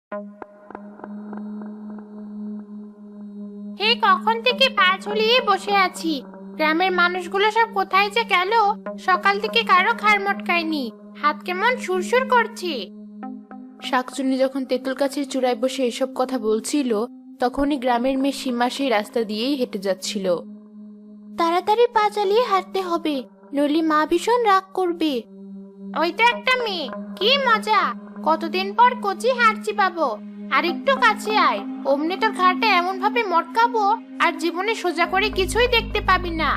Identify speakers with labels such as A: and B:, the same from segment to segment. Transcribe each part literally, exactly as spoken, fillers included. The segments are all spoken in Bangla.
A: এই কখন থেকে পা ঝুলিয়ে বসে আছি। গ্রামের মানুষগুলো সব কোথায় যে গেল? সকাল থেকে কারো ঘাড় মটকায়নি, হাত কেমন সুরসুর করছে।
B: শাকচুন্নি যখন তেঁতুল গাছের চূড়ায় বসে এসব কথা বলছিল, তখনই গ্রামের মেয়ে সীমা সেই রাস্তা দিয়েই হেঁটে যাচ্ছিল।
A: তাড়াতাড়ি পা চালিয়ে হাঁটতে হবে, নইলে মা ভীষণ রাগ করবে। ওই তো একটা মেয়ে, কি মজা! কতদিন পর কচি হাঁটছি পাবো। আর একটু কাছে আয়, অমনি তোর ঘাড়টা এমন ভাবে মটকাবো আর জীবনে সোজা করে কিছুই দেখতে পাবি না।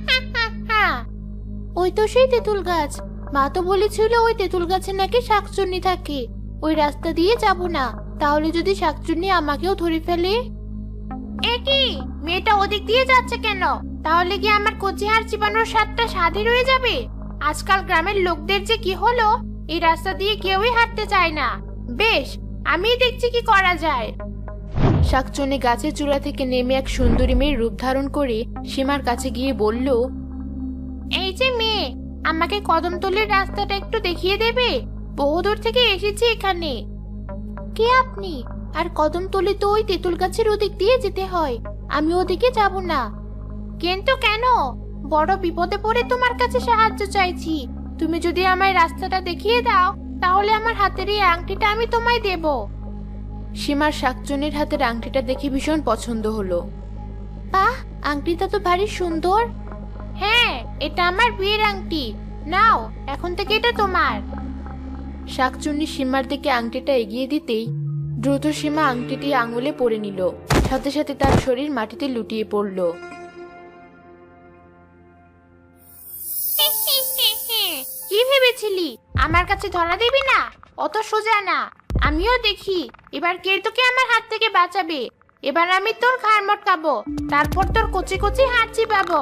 B: ওই তো সেই তেঁতুল গাছ। মা তো বলেছিল ওই তেঁতুল গাছে নাকি শাকচুন্নি থাকে। ওই রাস্তা দিয়ে যাব না, তাহলে যদি শাকচুন্নি আমাকেও ধরে ফেলে।
A: এ কি, মেয়েটা ওদিক দিয়ে যাচ্ছে কেন? তাহলে কি আমার কচি হাড় চিবানোর স্বাদটা স্বাদই রয়ে যাবে? আজকাল গ্রামের লোকদের যে কি হলো, এই রাস্তা দিয়ে কেউই হাঁটতে চায় না। বেশ, আমি দেখছি কি করা যায়।
B: শাকচুন্নি গাছের চূড়া থেকে নেমে এক সুন্দরী মেয়ের রূপ ধারণ করে সীমার কাছে গিয়ে বলল,
A: এই যে মেয়ে, আমাকে কদমতলির রাস্তাটা একটু দেখিয়ে দেবে? বহুদূর থেকে এসেছি এখানে।
B: কে আপনি? আর কদমতলি তো ওই তেঁতুল গাছের ওদিক দিয়ে যেতে হয়, আমি ওদিকে যাব না।
A: কিন্তু কেন? বড় বিপদে পড়ে তোমার কাছে সাহায্য চাইছি। তুমি যদি আমায় রাস্তাটা দেখিয়ে দাও, তাহলে আমার হাতের এই আংটিটা আমি তোমায় দেব।
B: সীমার শাকচুন্নির হাতের আংটিটা দেখে ভীষণ পছন্দ হলো। বাহ, আংটিটা তো ভারী সুন্দর।
A: হ্যাঁ, এটা আমার বিয়ের আংটি। নাও, এখন থেকে এটা তোমার।
B: শাকচুন্নি সীমার দিকে আংটিটা এগিয়ে দিতেই দ্রুত সীমা আংটিটি আঙুলে পরে নিল, সাথে সাথে তার শরীর মাটিতে লুটিয়ে পড়ল।
A: কি ভেবেছিলি আমার কাছে ধরা দিবি না? অত সোজা না। আমিও দেখি এবার কে তোকে আমার হাত থেকে বাঁচাবে। এবার আমি তোর ঘাড় মটকাবো, তারপর তোর কচি কচি হাত চিবাবো।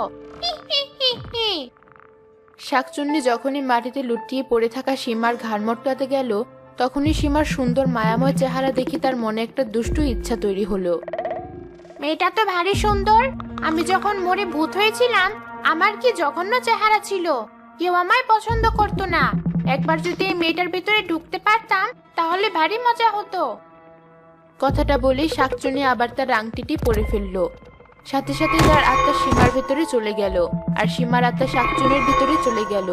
B: শাকচুন্নি যখনই মাটিতে লুটিয়ে পড়ে থাকা সীমার ঘাড় মটকাতে গেল, তখনই সীমার সুন্দর মায়াময় চেহারা দেখে তার মনে একটা দুষ্টু ইচ্ছা তৈরি হলো।
A: মেয়েটা তো ভারী সুন্দর। আমি যখন মরে ভূত হয়েছিলাম, আমার কি জঘন্য চেহারা ছিল। কেউ আমায় পছন্দ করতো না। একবার যদি এই মেয়েটার ভিতরে ঢুকতে পারতাম, তাহলে ভারী মজা হতো।
B: কথাটা বলেই শাকচুন্নি আবার তার আংটিটি পরে ফেললো। সাথে সাথে তার আত্মা সীমার ভেতরে চলে গেল, আর সীমার আত্মা শাকচুন্নির ভিতরে চলে গেল।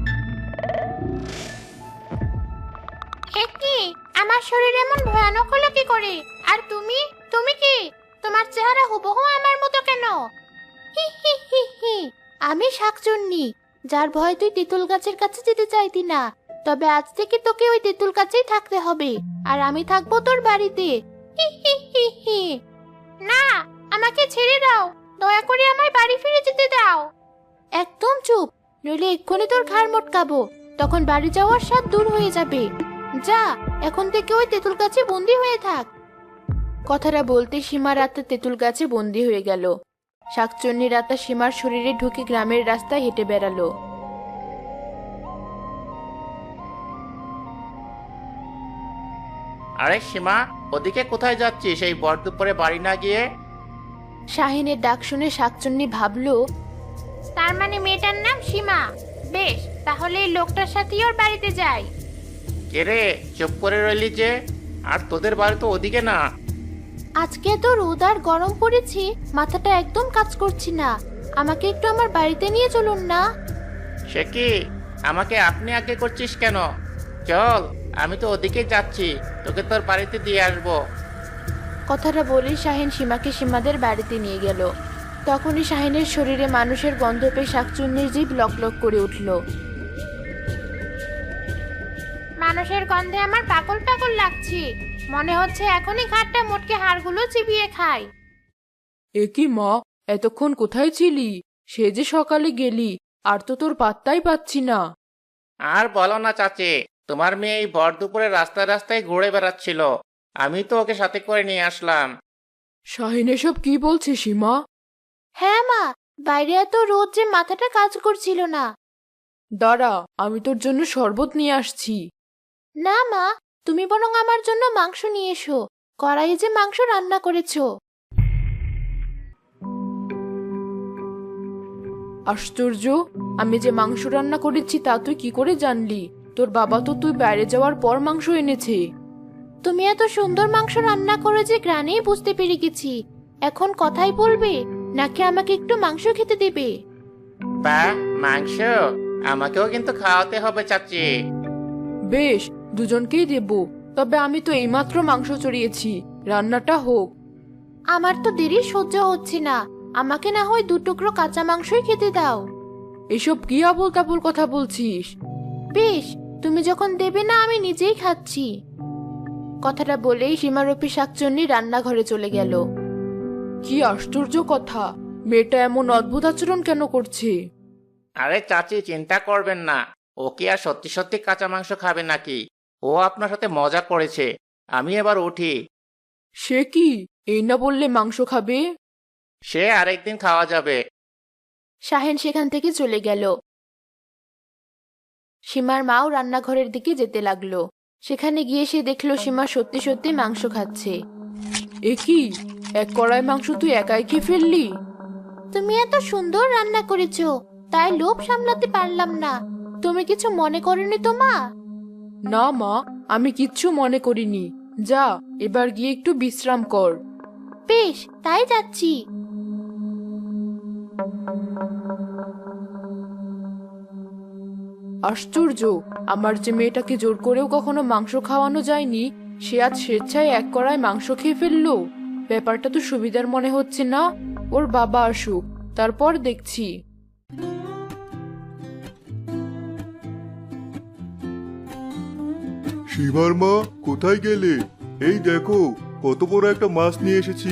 A: কি, আমার শরীর এমন ভয়ানক হলো কি করে? আর তুমি, তুমি কি? তোমার চেহারা হুবহু আমার মতো কেন?
B: হি হি হি হি, আমি শাকচুন্নি, যার ভয় তুই তেঁতুল গাছের কাছে যেতে চাইতি না। তবে আজ থেকে তোকে ওই তেঁতুল গাছেই থাকতে হবে, আর আমি থাকবো তোর বাড়িতে।
A: হি হি হি হি। না, আমাকে ছেড়ে দাও। দয়া করে আমায় বাড়ি ফিরে যেতে দাও।
B: একদম চুপ, নইলে এক্ষুনি তোর ঘাড় মটকাবো। তখন বাড়ি যাওয়ার স্বাদ দূর হয়ে যাবে। যা, এখন থেকে ওই তেঁতুল গাছে বন্দি হয়ে থাক। কথাটা বলতে সীমার আত্মা তেঁতুল গাছে বন্দি হয়ে গেল। শাকচুন্নির আত্মা সীমার শরীরে ঢুকে গ্রামের রাস্তায় হেঁটে বেড়ালো।
C: আরে সীমা, ওদিকে কোথায় যাচ্ছিস এই ভর দুপুরে বাড়ি না গিয়ে?
B: শাহিনের ডাক শুনে শাকচুন্নি ভাবলো,
A: তার মানে মেয়েটার নাম সীমা। বেশ, তাহলে এই লোকটার সাথেই ওর বাড়িতে যাই।
C: কে রে, চুপ করে রইলি যে? আর তোদের বাড়ি তো ওদিকে না।
B: আজকে তো রোদ আর গরম পড়েছে, মাথাটা একদম কাজ করছি না। আমাকে একটু আমার বাড়িতে নিয়ে চলুন না।
C: সে কি, আমাকে আপনি আগে করছিস কেন? চল, আমি তো ওদিকে যাচ্ছি, তোকে তোর বাড়িতে দিয়ে আসবো।
B: কথাটা বলে শাহিন সীমাকে সীমাদের বাড়িতে নিয়ে গেল। তখনই শাহিনের শরীরে মানুষের গন্ধ পেয়ে শাকচুন্নির জিভ লকলক করে উঠল।
A: মানুষের গন্ধে আমার পাগল পাগল লাগছে। মনে হচ্ছে এখনই ঘাটটা মোটকে হাড়গুলো চিবিয়ে খাই।
D: এ কি মা, এতক্ষণ কোথায় ছিলি? সে যে সকালে গেলি, আর তো তোর পাত্তাই পাচ্ছি না।
C: আর বলো না চাচি, তোমার মেয়ে এই ভর দুপুরে রাস্তায় রাস্তায় ঘুরে বেড়াচ্ছিল। আমি তো ওকে সাথে করে নিয়ে আসলাম।
D: শাহিন এসব কি বলছে সীমা?
B: হ্যাঁ মা, বাইরে এত রোদ যে মাথাটা কাজ করছিল না।
D: দাঁড়া, আমি তোর জন্য শরবত নিয়ে আসছি।
B: না মা, তুমি বরং আমার জন্য মাংস নিয়ে এসো। কড়াইয়ে যে মাংস রান্না করেছো।
D: আশ্চর্য, আমি যে মাংস রান্না করেছি তা তুই কি করে জানলি? তোর বাবা তো তুই বাইরে যাওয়ার পর মাংস এনেছে।
B: তুমি এত সুন্দর মাংস রান্না করে যে গ্রানেই বুঝতে পেরে গেছি। এখন কথাই বলবে নাকি আমাকে একটু মাংস খেতে দেবে?
C: বা মাংস আমাকেও কিন্তু খাওয়াতে হবে চাচি।
D: বেশ, দুজনকেই দেব। তবে আমি তো এইমাত্র মাংস চড়িয়েছি, রান্নাটা হোক।
B: আমার তো দেরি সহ্য হচ্ছে না, আমাকে না হয় দু টুকরো কাঁচা মাংসই খেতে দাও।
D: এসব কি আবোল তাবোল কথা বলছিস?
B: বেশ, তুমি যখন দেবে না আমি নিজেই খাচ্ছি। কথাটা বলেই সীমারূপী শাকচুন্নি রান্নাঘরে চলে গেল।
D: কি আশ্চর্য কথা, মেয়েটা এমন অদ্ভুত আচরণ কেন করছে?
C: আরে চাচি, চিন্তা করবেন না। ও কি আর সত্যি সত্যি কাঁচা মাংস খাবে নাকি? ও আপনার সাথে মজা করেছে। আমি এবার উঠি।
D: সে কি, এই না বললে মাংস খাবে?
C: সে আরেকদিন খাওয়া যাবে।
B: শাহেন সেখান থেকে চলে গেল। সীমার মাও রান্নাঘরের দিকে যেতে লাগলো। সেখানে গিয়ে সে দেখলো সীমা সত্যি সত্যি মাংস খাচ্ছে।
D: এ কি, এক কড়াই মাংস তুই একাই খেয়ে ফেললি?
B: তুমি এত সুন্দর রান্না করেছো, তাই লোভ সামলাতে পারলাম না। তুমি কিছু মনে করনি তো মা?
D: না মা, আমি কিচ্ছু মনে করিনি। যা, এবার গিয়ে একটু বিশ্রাম কর।
B: বেশ, তাই যাচ্ছি।
D: আশ্চর্য, আমার যে মেয়েটাকে জোর করেও কখনো মাংস খাওয়ানো যায়নি, সে আজ স্বেচ্ছায় এক কড়াই মাংস খেয়ে ফেললো। ব্যাপারটা তো সুবিধার মনে হচ্ছে না। ওর বাবা আসুক, তারপর দেখছি।
E: সীমার মা, কোথায় গেলে? এই দেখো, কত বড় একটা মাছ নিয়ে এসেছি।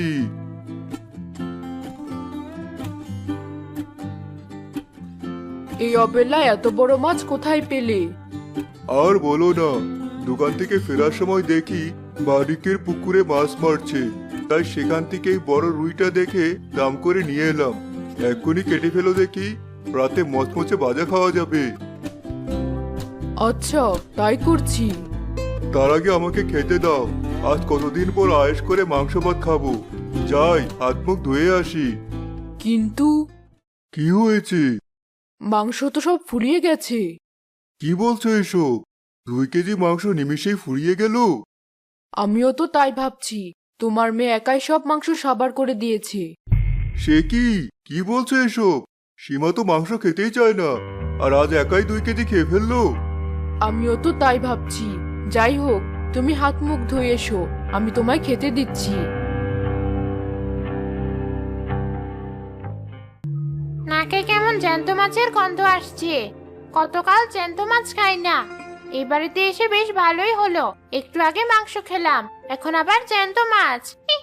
D: এই অবেলায় এত বড় মাছ কোথায় পেলে?
E: আর বলো না, দোকান থেকে ফেরার সময় দেখি মালিকের পুকুরে মাছ মারছে, তাই সেখান থেকে এই বড় রুইটা দেখে দাম করে নিয়ে এলাম। এক্ষুনি কেটে ফেলো দেখি, রাতে মচমচে ভাজা খাওয়া যাবে।
D: আচ্ছা, তাই করছি।
E: তার আগে আমাকে খেতে দাও। আজ কতদিন পর আয়েশ করে মাংস ভাত খাবো। যাই, হাত মুখ ধুয়ে আসি।
D: কিন্তু
E: কি হয়েছে?
D: মাংস তো সব ফুরিয়ে গেছে।
E: কি বলছো এসব? দুই কেজি মাংস নিমিষেই ফুরিয়ে গেল?
D: আমিও তো তাই ভাবছি। তোমার মেয়ে একাই সব মাংস সাবার করে দিয়েছে।
E: সে কি কি বলছো এসব? সীমা তো মাংস খেতেই চায় না, আর আজ একাই দুই কেজি খেয়ে ফেললো।
D: আমিও তো তাই ভাবছি। যাই হোক, তুমি হাত মুখ ধুয়ে এসো, আমি তোমায় খেতে দিচ্ছি।
A: নাকে কেমন জ্যান্ত মাছের গন্ধ আসছে। কতকাল জ্যান্ত মাছ খাই না। এই বাড়িতে এসে বেশ ভালোই হলো, একটু আগে মাংস খেলাম, এখন আবার জ্যান্ত মাছ।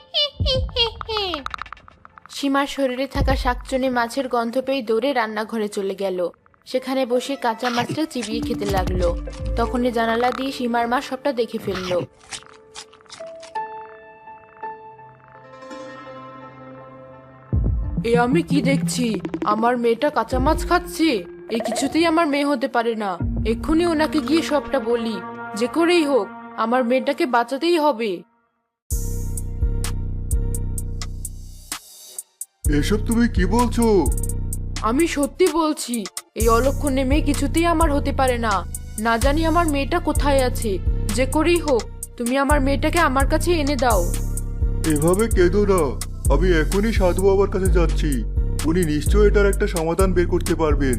B: সীমার শরীরে থাকা শাকচুনি মাছের গন্ধ পেয়ে দৌড়ে রান্নাঘরে চলে গেল। সেখানে বসে কাঁচা মাছটা চিবিয়ে খেতে লাগলো। তখনই জানালা দিয়ে সীমার মা সবটা দেখে ফেললো।
D: এ আমি কি দেখছি? আমার মেয়েটা কাঁচা মাছ খাচ্ছে। এ কিছুতেই আমার মেয়ে হতে পারে না। এক্ষুনি ওনাকে গিয়ে সবটা বলি। যে করেই হোক, আমার মেয়েটাকে বাঁচাতেই হবে।
E: এসব তুমি কি বলছো?
D: আমি সত্যি বলছি, এই অলক্ষণে মেয়ে কিছুতেই আমার হতে পারে না। না জানি আমার মেয়েটা কোথায় আছে। যে করেই হোক, তুমি আমার মেয়েটাকে আমার কাছে এনে দাও।
E: এভাবে কেঁদো না। আমি এখনই সাধু বাবার কাছে যাচ্ছি। উনি নিশ্চয়ই এটার একটা সমাধান বের করতে পারবেন।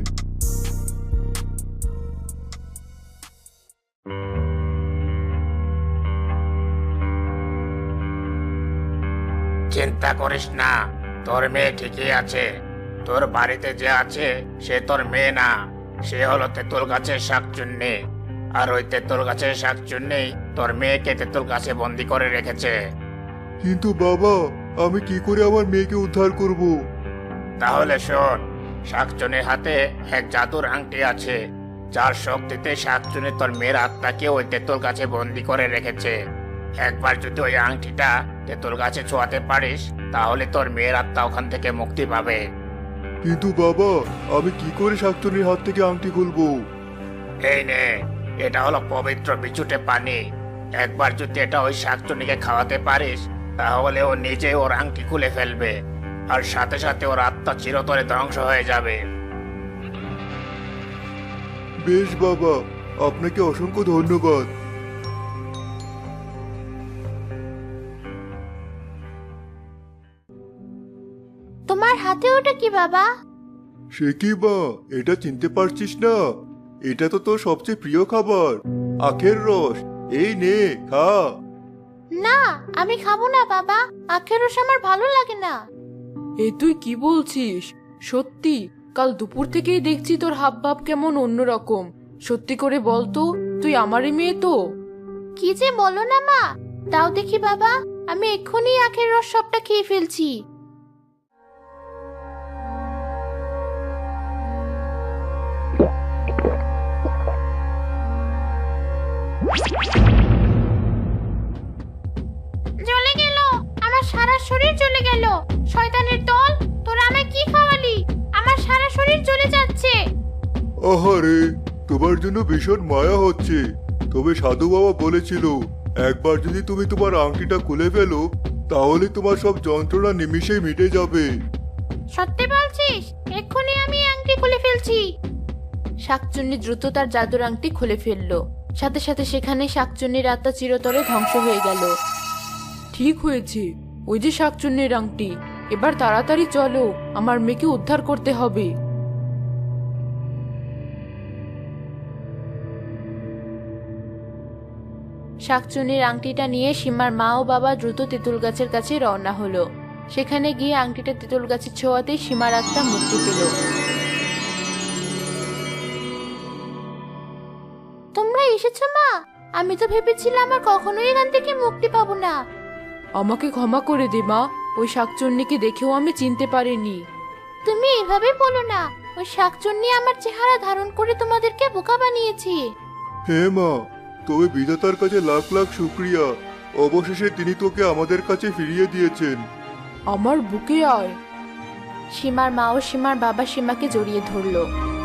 C: চিন্তা করিস না, তোর মেয়ে ঠিকই আছে। তোর বাড়িতে যে আছে সে তোর মেয়ে না, সে হলো তেঁতুল গাছের শাকচুন্নি। আর ওই তেঁতুল গাছের শাকচুন্নি তোর মেয়েকে তেঁতুল গাছে বন্দি করে রেখেছে।
E: কিন্তু বাবা, আমি কি করে আমার মেয়েকে উদ্ধার করব?
C: তাহলে শোন, শাকচুনির হাতে এক জাদুর আংটি আছে, যার শক্তিতে শাকচুনি তোর মেয়ের আত্মাকে ওই তেঁতুল গাছে বন্দি করে রেখেছে। একবার যদি ওই আংটিটা তেঁতুল গাছে ছোঁয়াতে পারিস, তাহলে তোর মেয়ের আত্মা ওখান থেকে মুক্তি পাবে।
E: কিন্তু বাবা, আমি কি করে শাকচুনির হাত থেকে আংটি খুলবো?
C: এই নে, এটা হলো পবিত্র বিচুটে পানি। একবার যদি এটা ওই শাকচুনিকে খাওয়াতে পারিস, তাহলে ও নিজেই ওর আংটি খুলে ফেলবে, আর সাথে সাথে ওর আত্মা চিরতরে ধ্বংস হয়ে যাবে।
E: বেশ বাবা, আপনাকে অসংখ্য ধন্যবাদ।
A: হাতে ওটা কি বাবা?
E: সে কি মা, এটা চিনতে পারছিস না? এটা তো তোর সবচেয়ে প্রিয় খাবার, আখের রস। এই নে, খা।
A: না, আমি খাবো না বাবা, আখের রস আমার ভালো লাগে না।
D: এ তুই কি বলছিস? সত্যি কাল দুপুর থেকেই দেখছি তোর হাব ভাব কেমন অন্যরকম। সত্যি করে বল তো, তুই আমারই মেয়ে তো?
A: কি যে বলো না মা, দাও দেখি বাবা, আমি এক্ষুনি আখের রস সবটা খেয়ে ফেলছি। জ্বলে গেল, আমার সারা শরীর জ্বলে গেল। শয়তানের দল, তোরা আমায় কি খাওয়ালি? আমার সারা শরীর জ্বলে যাচ্ছে।
E: আহারে, তোমার জন্য ভীষণ মায়া হচ্ছে। তবে সাধু বাবা বলেছিল, একবার যদি তুমি তোমার আংটিটা খুলে ফেলো, তাহলে তোমার সব যন্ত্রণা নিমিষেই মিটে যাবে।
A: সত্যি বলছিস? এক্ষুনি আমি এই আংটি খুলে ফেলছি।
B: শাকচুন্নি দ্রুত তার জাদুর আংটি খুলে ফেললো। সাথে সাথে সেখানে শাকচুন্নির আত্মা চিরতরে ধ্বংস হয়ে গেল।
D: ঠিক হয়েছে, ওই যে শাকচুন্নির আংটি। এবার তাড়াতাড়ি চলো, আমার মেয়েকে উদ্ধার করতে হবে।
B: শাকচুন্নির আংটিটা নিয়ে সীমার মা ও বাবা দ্রুত তেঁতুল গাছের কাছে রওনা হলো। সেখানে গিয়ে আংটিটা তেঁতুল গাছের ছোঁয়াতেই সীমার আত্মা মুক্তি পেল।
A: তোমরা এসেছো মা? আমি তো ভেবেছিলাম আর কখনোই এখান থেকে মুক্তি পাবো না।
D: আমাকে ক্ষমা করে দে মা, ওই শাকচুন্নিকে দেখেও আমি চিনতে পারিনি।
A: তুমি এভাবে বলো না, ওই শাকচুন্নি আমার চেহারা ধারণ করে তোমাদেরকে বোকা বানিয়েছে।
E: হে মা, তবে বিধাতার কাছে লাখ লাখ শুক্রিয়া, অবশেষে তিনি তোকে আমাদের কাছে ফিরিয়ে দিয়েছেন।
D: আমার বুকে আয়।
B: সীমার মা ও সীমার বাবা সীমাকে জড়িয়ে ধরলো।